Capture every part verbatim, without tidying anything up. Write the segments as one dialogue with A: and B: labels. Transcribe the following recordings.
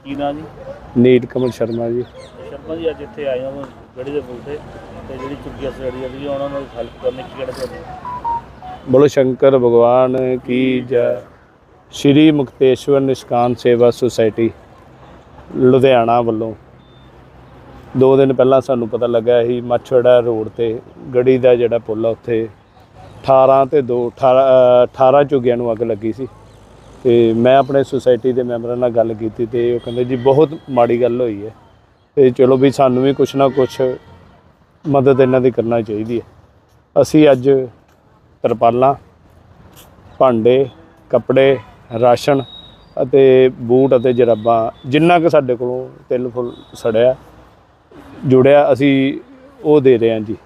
A: ਕੀ ਨਾਂ ਜੀ?
B: नीट कमल शर्मा जी।
A: शर्मा जी अज इत्थे आए हो गढ़ी के पुल से ते जिहड़ी चुक्की सड़ी सी उन्होंने हेल्प करने की कहना चाहते?
B: बोलो शंकर भगवान की जय। श्री मुक्तेश्वर निष्काम सेवा सोसाइटी लुधियाना वालों दो दिन पहला सानू पता लगा ही मच्छड़ा रोड ते गढ़ी का जिहड़ा पुल आ उत्थे अठारह ते दो अठारह अठारह झुग्गियां नूं अग लगी सी। तो मैं अपने सोसाइटी के मैंबरां नाल गल कीती ते ओह कहंदे जी बहुत माड़ी गल होई है तो चलो भी सानू भी कुछ ना कुछ मदद इन्हां दी करना चाहिए है। असी अज तरपालां भांडे कपड़े राशन अते बूट अते जराबां जिन्ना कि साडे कोलों तिल फुल सड़िया जुड़िया असी वो दे रहे हैं जी।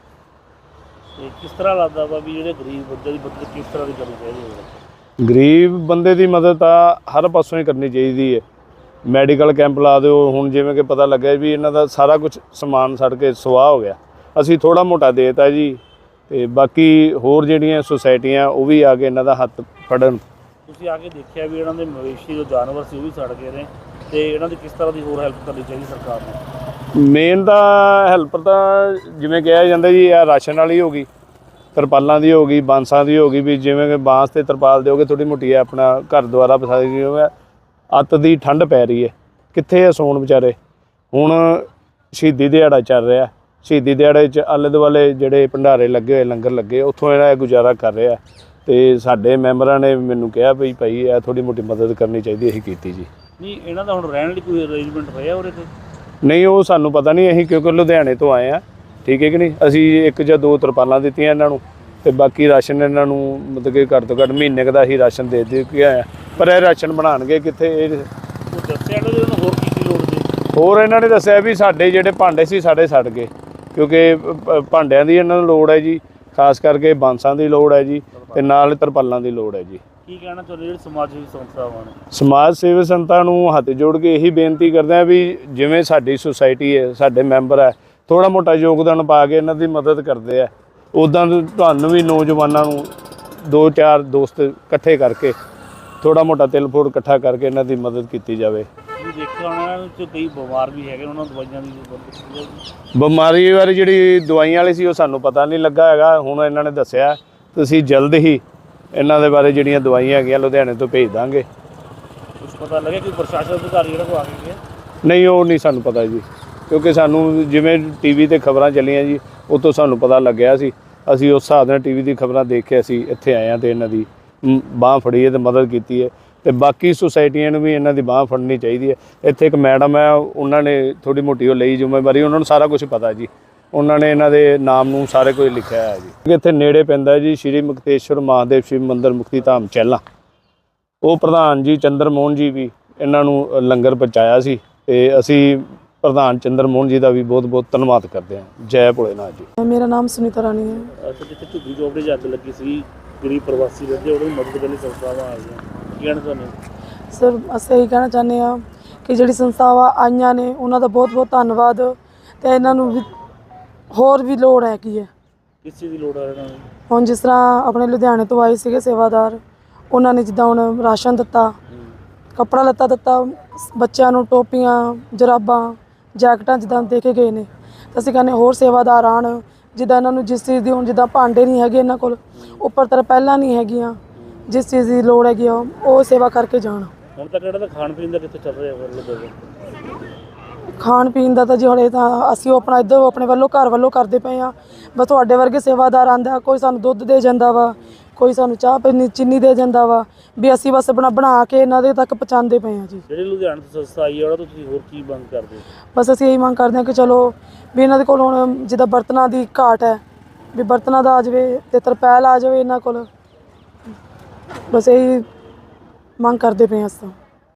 A: किस तरह लगता वा भी जिहड़े गरीब बंदे दी मदद किस तरह की करनी चाहिए?
B: गरीब बंदे की मदद तो हर पासों ही करनी चाहिए है। मैडिकल कैंप ला दो हुण जिवें कि पता लग्या भी इन्हां दा सारा कुछ समान सड़ के सुआह हो गया असी थोड़ा मोटा देता जी ते बाकी होर जिहड़ियां सोसाइटियां वो भी आके इन्हां दा हत्थ फड़न।
A: तुसीं आके देखिया भी इन्हां दे मवेशी जो जानवर सी वो भी सड़ गए ने ते इन्हां दी किस तरह की होर हैल्प करनी चाहिए सरकार नूं?
B: मेन तो हैल्प तो जिवें कहा जाता जी आ राशन वाली हो गई तरपालों की हो गई बांसा की हो गई भी जिवें कि बांस ते तरपाल दोगे थोड़ी मोटी अपना घर द्वारा बसा दी अत की ठंड पै रही है कित्थे है सौण बेचारे। हुण शहीदी दिहाड़ा चल रहा शहीदी दिहाड़े च आले दुआले जिहड़े भंडारे लगे हुए लंगर लगे उत्थों इहदा गुजारा कर रहा तो साडे मैंबरां ने मैनूं कहा भी भाई यह थोड़ी मोटी मदद करनी चाहिए असीं कीती जी।
A: नहीं इन्हां दा हुण रहण लई कोई अरेंजमेंट होया उरे ते?
B: नहीं वो सानू पता नहीं असीं क्योंकि लुधियाने तो आए हैं ठीक है कि नहीं असी एक या दो तरपालां दित्तियां इन्हां नूं ते बाकी राशन इन्हां नूं मतलब कि घੱਟ ਤੋਂ घੱਟ महीने का असीं राशन दे दे के आए पर यह राशन बनाणगे कित्थे
A: दस्सिया इन्हां दे होर की की लोड़ सी?
B: होर इन्हां ने दस्सिया भी साडे जिहड़े भांडे सी साडे सड़ गए क्योंकि भांडियां दी इन्हां नूं लोड़ है जी खास करके बांसां दी लोड़ है जी ते नाल तरपालां दी लोड़ है जी।
A: की कहना चाਹੁੰਦੇ ਜਿਹੜੇ ਸਮਾਜ ਸੇਵੀ ਸੰਸਥਾਵਾਂ ਨੇ?
B: समाज सेवी संस्था नूं हत्थ जोड़ के यही बेनती करते हैं भी जिवें साडी सोसाइटी है साडे मैंबर है थोड़ा मोटा योगदान पा के इन्हां दी मदद करते हैं उदां तुहानूं भी नौजवानों नूं दो चार दोस्त इकट्ठे करके थोड़ा मोटा तिल फुल इकट्ठा करके इन्हां दी मदद की जाए।
A: देखिया उन्हां च कई बीमार भी हैगे उन्हां दवाइयां दी
B: बीमारी बारे जिहड़ी दवाइयां वाली सी वो सानूं पता नहीं लगा हैगा हुण इन्हां ने दस्सिया ते असीं जल्द ही इन्हां दे बारे जिहड़ियां दवाइयां हैगियां लुधियाने तो भेज दांगे।
A: कुछ पता लगे कि प्रशासन अधिकारी जिहड़ा को आ गए?
B: नहीं वो नहीं सानूं पता जी क्योंकि सानूं जिवें टी वी ते खबरां चलियां जी उतों सानूं पता लग्या सी असीं उस हिसाब नाल टी वी दी खबरां देख के असीं इत्थे आए हां ते इन्हां दी बांह फड़ी है ते मदद कीती है ते बाकी सोसाइटियां नूं भी इन्हां दी बांह फड़नी चाहिए है। इत्थे एक मैडम है उन्हां ने थोड़ी मोटी वो लई जिम्मेवारी उन्हां नूं सारा कुछ पता जी उन्होंने इन्हां दे नाम नूं सारे कुछ लिखिया है जी। इत्थे नेड़े पैंदा जी श्री मुक्तेश्वर महादेव शिव मंदिर मुक्ति धाम चैला वो प्रधान जी चंद्र मोहन जी भी इन्हां नूं लंगर पहुँचाया सी ते असीं प्रधान चंद्र मोहन जी का भी बहुत बहुत धन्यवाद करते हैं। जय भोलेनाथ जी।
C: मेरा नाम सुनीता रानी है।
A: अच्छा जिथे झुग्गी चौपड़ी च अग लगी सी गरीब प्रवासी रहते उन्होंने मदद करने संस्थावां आ गई की कहना चाਹੁੰਦੇ?
C: सर ਅਸੀਂ ਇਹੀ ਕਹਿਣਾ ਚਾਹੁੰਦੇ ਹਾਂ ਕਿ ਜਿਹੜੀ ਸੰਸਥਾਵਾਂ ਆਈਆਂ ਨੇ ਉਹਨਾਂ ਦਾ ਬਹੁਤ ਬਹੁਤ ਧੰਨਵਾਦ ਤੇ ਇਹਨਾਂ ਨੂੰ ਵੀ ਹੋਰ ਵੀ ਲੋੜ ਹੈਗੀ ਹੈ।
A: ਕਿਸ ਚੀਜ਼ ਦੀ ਲੋੜ ਹੈ ਇਹਨਾਂ ਨੂੰ?
C: ਹੁਣ ਜਿਸ ਤਰ੍ਹਾਂ ਆਪਣੇ ਲੁਧਿਆਣੇ ਤੋਂ ਆਏ ਸੀਗੇ ਸੇਵਾਦਾਰ ਉਹਨਾਂ ਨੇ ਜਿੱਦਾਂ ਹੁਣ ਰਾਸ਼ਨ ਦਿੱਤਾ ਕੱਪੜਾ ਲੱਤਾ ਦਿੱਤਾ ਬੱਚਿਆਂ ਨੂੰ ਟੋਪੀਆਂ ਜਰਾਬਾਂ ਜੈਕਟਾਂ ਜਿੱਦਾਂ ਦੇ ਕੇ ਗਏ ਨੇ ਤਾਂ ਅਸੀਂ ਕਹਿੰਦੇ ਹੋਰ ਸੇਵਾਦਾਰ ਆਉਣ ਜਿੱਦਾਂ ਇਹਨਾਂ ਨੂੰ ਜਿਸ ਚੀਜ਼ ਦੀ ਹੁਣ ਜਿੱਦਾਂ ਭਾਂਡੇ ਨਹੀਂ ਹੈਗੇ ਇਹਨਾਂ ਕੋਲ ਉੱਪਰ ਤਰ੍ਹਾਂ ਪਹਿਲਾਂ ਨਹੀਂ ਹੈਗੀਆਂ ਜਿਸ ਚੀਜ਼ ਦੀ ਲੋੜ ਹੈਗੀ ਆ ਉਹ ਸੇਵਾ ਕਰਕੇ ਜਾਣ।
A: ਹੁਣ ਤੱਕ ਜਿਹੜਾ ਖਾਣ ਪੀਣ ਦਾ ਕਿੱਥੇ ਚੱਲ ਰਿਹਾ ਹੈ?
C: ਖਾਣ ਪੀਣ ਦਾ ਤਾਂ ਜੀ ਹਲੇ ਤਾਂ ਅਸੀਂ ਉਹ ਆਪਣਾ ਇੱਧਰ ਆਪਣੇ ਵੱਲੋਂ ਘਰ ਵੱਲੋਂ ਕਰਦੇ ਪਏ ਹਾਂ ਬਸ ਤੁਹਾਡੇ ਵਰਗੇ ਸੇਵਾਦਾਰ ਆਉਂਦਾ ਕੋਈ ਸਾਨੂੰ ਦੁੱਧ ਦੇ ਜਾਂਦਾ ਵਾ ਕੋਈ ਸਾਨੂੰ ਚਾਹ ਪੀਣੀ ਚੀਨੀ ਦੇ ਜਾਂਦਾ ਵਾ ਵੀ ਅਸੀਂ ਬਸ ਬਣਾ ਬਣਾ ਕੇ ਇਹਨਾਂ ਦੇ ਤੱਕ ਪਹੁੰਚਾਉਂਦੇ ਪਏ ਹਾਂ ਜੀ।
A: ਜਿਹੜੀ ਲੁਧਿਆਣਾ ਤੋਂ ਸੰਸਥਾ ਆਈ ਹੈ ਉਹਦਾ ਤੁਸੀਂ ਹੋਰ ਕੀ ਮੰਗ ਕਰਦੇ ਹੋ?
C: ਬਸ ਅਸੀਂ ਇਹੀ ਮੰਗ ਕਰਦੇ ਹਾਂ ਕਿ ਚਲੋ ਵੀ ਇਹਨਾਂ ਦੇ ਕੋਲ ਹੁਣ ਜਿੱਦਾਂ ਬਰਤਨਾਂ ਦੀ ਘਾਟ ਹੈ ਵੀ ਬਰਤਨਾਂ ਦਾ ਆ ਜਾਵੇ ਅਤੇ ਤਰਪੈਲ ਆ ਜਾਵੇ ਇਹਨਾਂ ਕੋਲ ਬਸ ਇਹੀ ਮੰਗ ਕਰਦੇ ਪਏ ਹਾਂ ਅਸੀਂ।